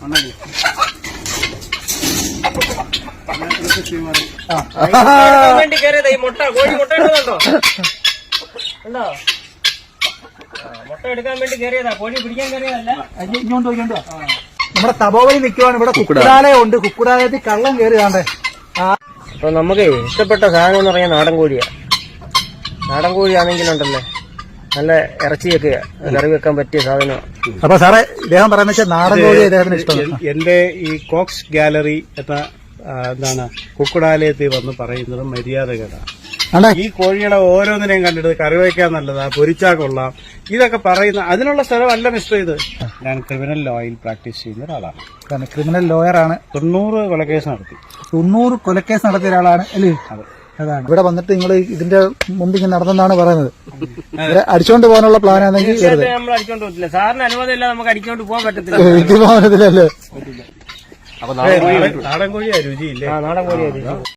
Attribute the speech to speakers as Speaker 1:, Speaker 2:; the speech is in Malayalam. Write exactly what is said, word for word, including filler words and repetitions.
Speaker 1: വേണ്ടി കയറിയതാ ഈ മുട്ട. കോഴി മുട്ട ഇടുന്നുണ്ടോ? ഉണ്ടോ? മുട്ട എടുക്കാൻ വേണ്ടി കയറിയതാ. കോഴി പിടിക്കാൻ കയറിയതല്ല.
Speaker 2: ഇങ്ങോട്ടോ ഇങ്ങോട്ടോ. നമ്മുടെ തപോവലി നിൽക്കുവാണ്. ഇവിടെ കുക്കുടാലയം ഉണ്ട്. കുക്കുടാലയത്തിൽ കള്ളം കയറി കാണണ്ടേ.
Speaker 1: അപ്പൊ നമുക്ക് ഇഷ്ടപ്പെട്ട സാധനം എന്ന് പറയാൻ നാടൻ കോഴിയാ. നാടൻ കോഴിയാണെങ്കിലുണ്ടല്ലേ നല്ല ഇറച്ചിയൊക്കെ കറി വെക്കാൻ പറ്റിയ സാധനമാണ്.
Speaker 2: അപ്പൊ സാറേ ഇദ്ദേഹം പറയുന്ന വെച്ചാൽ നാടൻ കോഴി ഇദ്ദേഹത്തിന് ഇഷ്ടം.
Speaker 3: എന്റെ ഈ കോക്സ് ഗാലറി എന്ന എന്താണ് കുക്കുടാലയത്തിൽ വന്ന് പറയുന്നത് മര്യാദകരാണ്. ഈ കോഴികളെ ഓരോന്നിനെയും കണ്ടിട്ട് കറി വയ്ക്കാൻ നല്ലതാ, പൊരിച്ചാ കൊള്ളാം, ഇതൊക്കെ പറയുന്ന അതിനുള്ള സ്ഥലമല്ല മിസ്റ്റർ ഇത്. ഞാൻ ക്രിമിനൽ ലോയിൽ പ്രാക്ടീസ് ചെയ്യുന്ന ഒരാളാണ്.
Speaker 2: ക്രിമിനൽ ലോയറാണ്.
Speaker 3: തൊണ്ണൂറ് കൊലക്കേസ് നടത്തി.
Speaker 2: തൊണ്ണൂറ് കൊലക്കേസ് നടത്തിയ ഒരാളാണ് അല്ലേ? അതാണ്. ഇവിടെ വന്നിട്ട് നിങ്ങൾ ഇതിന്റെ മുമ്പ് ഇങ്ങനെ നടന്നെന്നാണ് പറയുന്നത്. അടിച്ചോണ്ട് പോകാനുള്ള പ്ലാൻ ആണെങ്കിൽ
Speaker 1: നമ്മൾ അടിച്ചോണ്ട് പോകത്തില്ല. സാറിന് അനുമതി ഇല്ല, നമുക്ക് അടിച്ചോണ്ട് പോകാൻ പറ്റത്തില്ല.
Speaker 2: പോകാൻ പറ്റത്തില്ലല്ലേ?
Speaker 3: നാടൻ കോഴിയാ രുചിയില്ലേ?
Speaker 1: നാടൻ കോഴിയാ രുചി.